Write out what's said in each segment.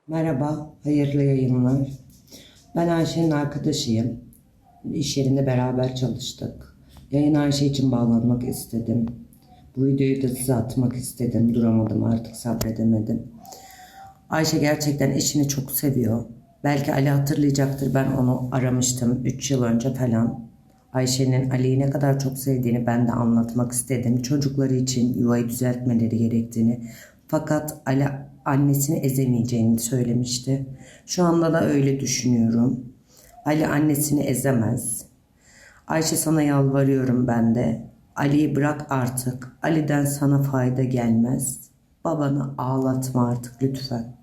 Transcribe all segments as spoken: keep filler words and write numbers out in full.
Merhaba, hayırlı yayınlar. Ben Ayşe'nin arkadaşıyım. İş yerinde beraber çalıştık. Yayın Ayşe için bağlanmak istedim. Bu videoyu da size atmak istedim. Duramadım artık, sabredemedim. Ayşe gerçekten eşini çok seviyor. Belki Ali hatırlayacaktır, ben onu aramıştım üç yıl önce falan. Ayşe'nin Ali'yi ne kadar çok sevdiğini ben de anlatmak istedim. Çocukları için yuvayı düzeltmeleri gerektiğini. Fakat Ali annesini ezemeyeceğini söylemişti. Şu anda da öyle düşünüyorum. Ali annesini ezemez. Ayşe, sana yalvarıyorum ben de. Ali'yi bırak artık. Ali'den sana fayda gelmez. Babanı ağlatma artık lütfen.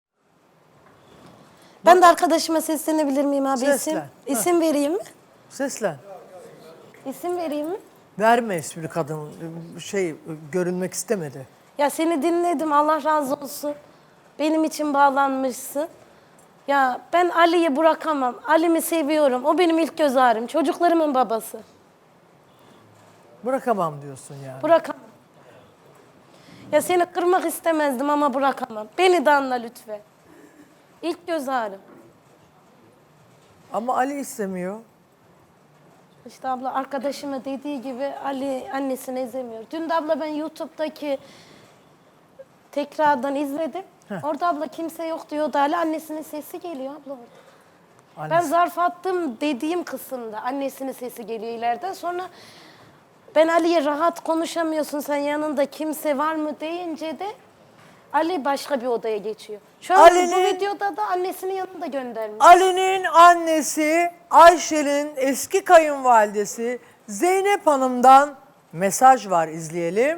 Ben de arkadaşıma seslenebilir miyim abi? Seslen. İsim, Ha. isim vereyim mi? Seslen. İsim vereyim mi? Verme ismini kadın. Şey görünmek istemedi. Ya seni dinledim, Allah razı olsun. Benim için bağlanmışsın. Ya ben Ali'yi bırakamam. Ali'mi seviyorum. O benim ilk göz ağrım. Çocuklarımın babası. Bırakamam diyorsun yani. Bırakamam. Ya seni kırmak istemezdim ama bırakamam. Beni de anla lütfen. İlk göz ağrım. Ama Ali istemiyor. İşte abla arkadaşıma dediği gibi Ali annesini ezemiyor. Dün de abla ben YouTube'daki tekrardan izledim. Heh. Orada abla kimse yok diyordu. Ali annesinin sesi geliyor abla orada. Ben Annesi. zarf attım dediğim kısımda annesinin sesi geliyor ileriden. Sonra ben Ali'ye rahat konuşamıyorsun, sen yanında kimse var mı deyince de Ali başka bir odaya geçiyor. Şu an bu Ali'nin- videoda da annesinin yanında göndermiş. Ali'nin annesi Ayşe'nin eski kayınvalidesi Zeynep Hanım'dan mesaj var, izleyelim.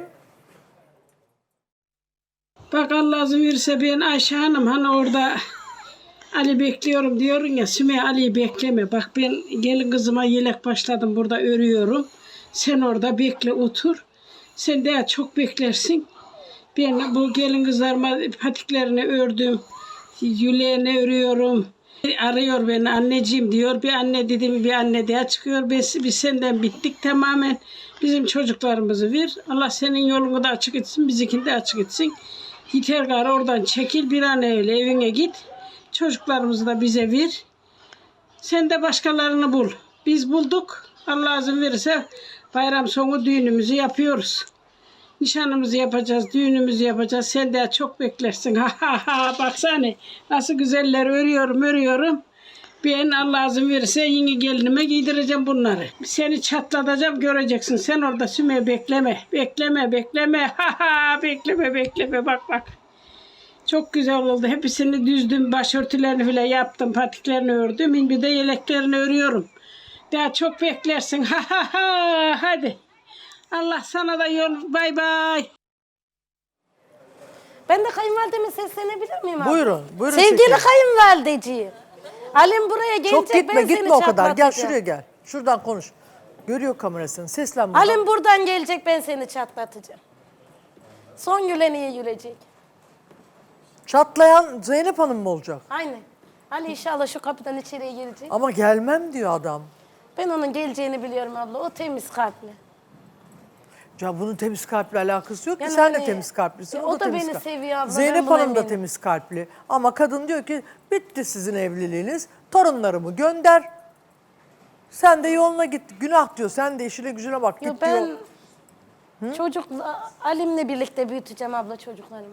Bak Allah izin verirse ben Ayşe Hanım hani orada Ali bekliyorum diyorsun ya, Sümeyye Ali'yi bekleme. Bak ben gelin kızıma yelek başladım, burada örüyorum. Sen orada bekle, otur. Sen daha çok beklersin. Ben bu gelin kızlarıma patiklerini ördüm. Yüleğini örüyorum. Arıyor beni, anneciğim diyor. Bir anne dedim, bir anne daha çıkıyor. Biz, biz senden bittik tamamen. Bizim çocuklarımızı ver. Allah senin yolunu da açık etsin, bizimkini de açık etsin. Yeter gari oradan çekil, bir an öyle evine git. Çocuklarımızı da bize ver. Sen de başkalarını bul. Biz bulduk. Allah izin verirse bayram sonu düğünümüzü yapıyoruz. Nişanımızı yapacağız, düğünümüzü yapacağız. Sen de çok beklersin. Ha ha ha, baksana nasıl güzeller örüyorum, örüyorum. Ben Allah izin verirse yeni gelinime giydireceğim bunları. Seni çatlatacağım, göreceksin. Sen orada Sümeyye bekleme, bekleme, bekleme. Ha ha, bekleme, bekleme. Bak bak. Çok güzel oldu. Hepsini düzdüm, başörtülerini bile yaptım, patiklerini ördüm. Bir de yeleklerini örüyorum. Daha çok beklersin. Ha ha ha, hadi. Allah sana da yol, bay bay. Ben de kayınvalideme seslenebilir miyim abi? Buyurun, buyurun Sevgili seslenin. kayınvalideciğim. Alim buraya gelecek, Çok gitme, ben gitme seni o kadar. Gel çatlatacağım. şuraya gel. Şuradan konuş. Görüyor kamerasını. Seslen buradan. Alim buradan gelecek, ben seni çatlatacağım. Son güleniye gülecek. Çatlayan Zeynep Hanım mı olacak? Aynen. Ali inşallah şu kapıdan içeriye girecek. Ama gelmem diyor adam. Ben onun geleceğini biliyorum abla. O temiz kalpli. Ya bunun temiz kalple alakası yok ki. Yani Sen de hani- temiz kalplisin. E, o, o da, da temiz beni kalp- seviyor abla, ben Zeynep buna Hanım da eminim. temiz kalpli. Ama kadın diyor ki bitti sizin evliliğiniz. Torunlarımı gönder. Sen de yoluna git. Günah diyor. Sen de işine gücüne bak. Yo, Git ben diyor. çocuk Alim'le birlikte büyüteceğim abla çocuklarımı.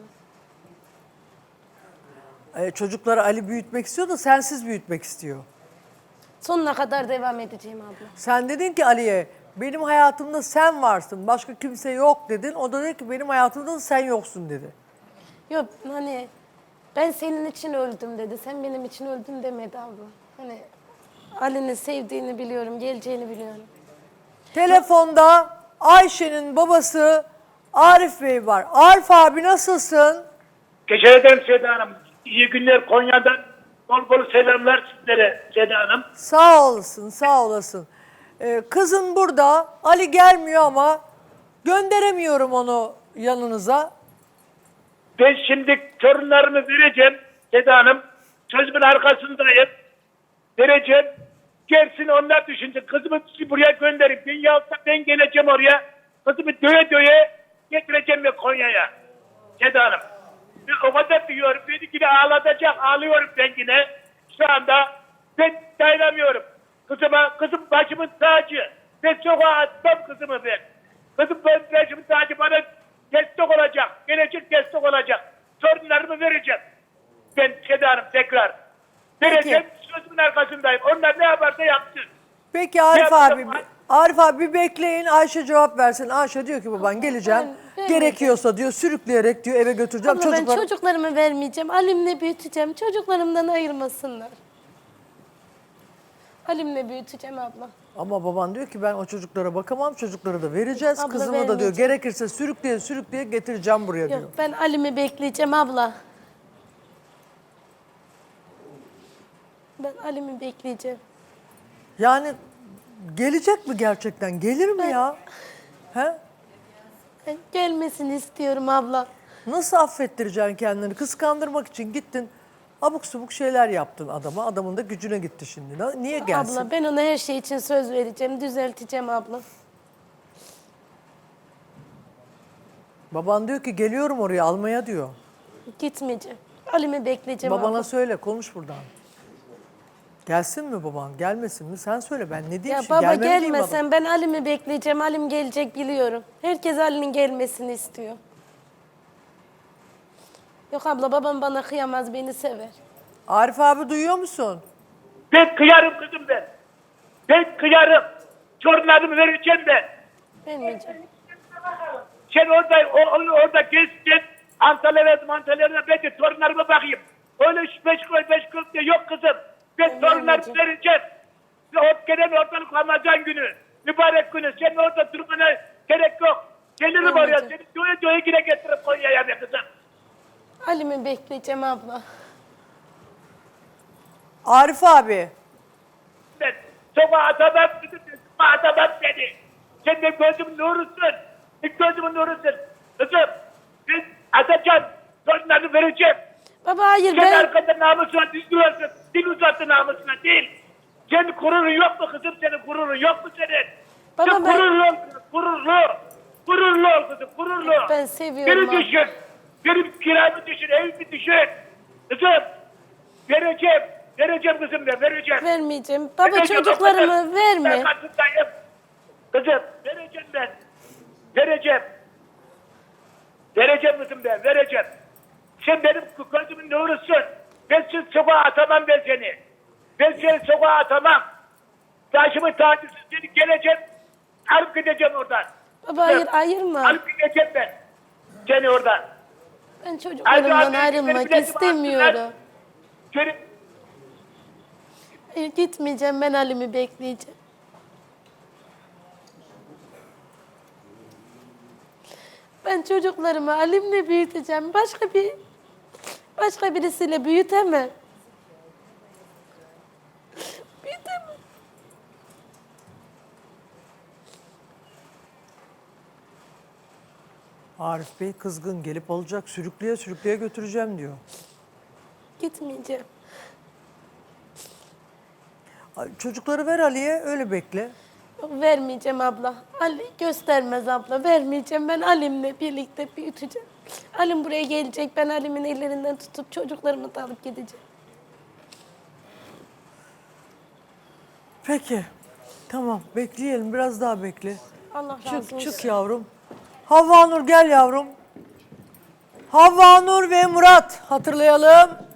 Ee, çocukları Ali büyütmek istiyor da sensiz büyütmek istiyor. Sonuna kadar devam edeceğim abla. Sen dedin ki Ali'ye benim hayatımda sen varsın. Başka kimse yok dedin. O da dedi ki benim hayatımda da sen yoksun dedi. Yok hani ben senin için öldüm dedi. Sen benim için öldün demedi abla. Hani Ali'nin sevdiğini biliyorum, geleceğini biliyorum. Telefonda Ayşe'nin babası Arif Bey var. Arif abi nasılsın? Teşekkür ederim Seda Hanım. İyi günler Konya'dan. Bol bol selamlar sizlere Seda Hanım. Sağ olasın, sağ olasın. Ee, kızın burada. Ali gelmiyor ama gönderemiyorum onu yanınıza. Ben şimdi torunlarımı vereceğim Seda Hanım. Sözümün arkasındayım. Vereceğim. Gelsin onlar düşünsün. Kızımı buraya gönderin. Ben yahut da ben geleceğim oraya. Kızımı döye döye getireceğim ve Konya'ya. Seda Hanım. Ben o kadar diyorum. Beni yine ağlatacak. Ağlıyorum ben yine. Şu anda ben dayanamıyorum. Kızıma, kızım başımın tacı. Ben sokağa atmam kızımı ben. Kızım ben başımın tacı bana destek olacak. Gelecek destek olacak. Sorunlarımı vereceğim. Ben Seda Hanım tekrar. Vereceğim, sözümün arkasındayım. Onlar ne yaparsa yapsın. Peki Arif yapacağım? abi, Arif abi bir bekleyin, Ayşe cevap versin. Ayşe diyor ki baban geleceğim. ben Gerekiyorsa diyor sürükleyerek diyor eve götüreceğim. Abla ben Çocuklar çocuklarımı vermeyeceğim. Alimle büyüteceğim. Çocuklarımdan ayırmasınlar. Alimle büyüteceğim abla. Ama baban diyor ki ben o çocuklara bakamam, çocukları da vereceğiz. Abla Kızımı da diyor vermeyeceğim. gerekirse sürükleye sürükleye getireceğim buraya diyor. Yok ben Alim'i bekleyeceğim abla. Ben Alim'i bekleyeceğim. Yani gelecek mi gerçekten? Gelir mi ya? He? Ben gelmesini istiyorum abla. Nasıl affettireceksin kendini? Kıskandırmak için gittin. Abuk subuk şeyler yaptın adama. Adamın da gücüne gitti şimdi. Na- Niye gelsin? Abla ben ona her şey için söz vereceğim. Düzelteceğim abla. Baban diyor ki geliyorum oraya almaya diyor. Gitmeyeceğim. Alim'i bekleyeceğim Babana abla. söyle konuş buradan. Gelsin mi baban gelmesin mi? Sen söyle ben ne diyeyim Ya şimdi? baba Gelmem diyeyim adam. gelmesen ben Alim'i bekleyeceğim. Alim gelecek biliyorum. Herkes Alim'in gelmesini istiyor. Yok abla babam bana kıyamaz, beni sever. Arif abi duyuyor musun? Ben kıyarım kızım ben. Ben kıyarım. Sorunlarımı vereceğim ben. Vermeyeceğim. Sen orada o, onu orada gezsin. Antalya'da Antalya'da ben de torunlarıma bakayım. Öyle üç beş koy beş koy diye yok kızım. Ben Ben torunlarımı vermeyeceğim. vereceğim. Ve o gelen ortalık Ramazan günü. Mübarek günü. Senin orada durmana gerek yok. Gelirim oraya. Vermeyeceğim. Seni doya doya yine getirip Konya'ya be kızım. Alim'i bekleyeceğim abla. Arif abi. Ben sokağa atamam kızım. Sokağa atamam seni. Sen de gözümün nurusun. Bir gözümün nurusun. Kızım ben atacağım. Torunlarını vereceğim. Baba hayır Sen ben... arkada namusuna düzgüyorsun. Dil uzattı namusuna değil. Senin gururun yok mu kızım? Senin gururun yok mu senin? Baba Sen ben- gururlu ol kızım. Gururlu. Gururlu ol kızım. Gururlu. Ben seviyorum Beni abi. düşün. Benim kiramı düşün. Evimi düşün. Kızım. Vereceğim. Vereceğim kızım ben. Vereceğim. Vermeyeceğim. Baba Vereceğim, çocuklarımı o kadar. verme. Ben katındayım. Kızım vereceğim ben. Vereceğim. Vereceğim kızım ben. Vereceğim. Sen benim gözümün nurusun. Ben seni sokağa atamam ben seni. Ben seni sokağa atamam. Taşımı tacısız seni geleceğim. Alıp gideceğim oradan. Baba hayır ayırma. Alıp gideceğim ben. Seni oradan. Ben Hadi çocuklarımdan abi, ayrılmak benim biletimi istemiyorum. alsınlar. Seni Hayır gitmeyeceğim, ben Alim'i bekleyeceğim. Ben çocuklarımı Alim'le büyüteceğim. Başka bir başka birisiyle büyütemem. Büyütemem. Arif Bey kızgın gelip alacak sürükleye sürükleye götüreceğim diyor. Gitmeyeceğim. Ay, çocukları ver Ali'ye öyle bekle. Yok, vermeyeceğim abla. Ali göstermez abla. Vermeyeceğim. Ben Alim'le birlikte büyüteceğim. Alim buraya gelecek. Ben Alim'in ellerinden tutup çocuklarımı da alıp gideceğim. Peki. Tamam bekleyelim biraz daha bekle. Allah razı Çık olsun. çık yavrum. Havva Nur gel yavrum. Havva Nur ve Murat hatırlayalım.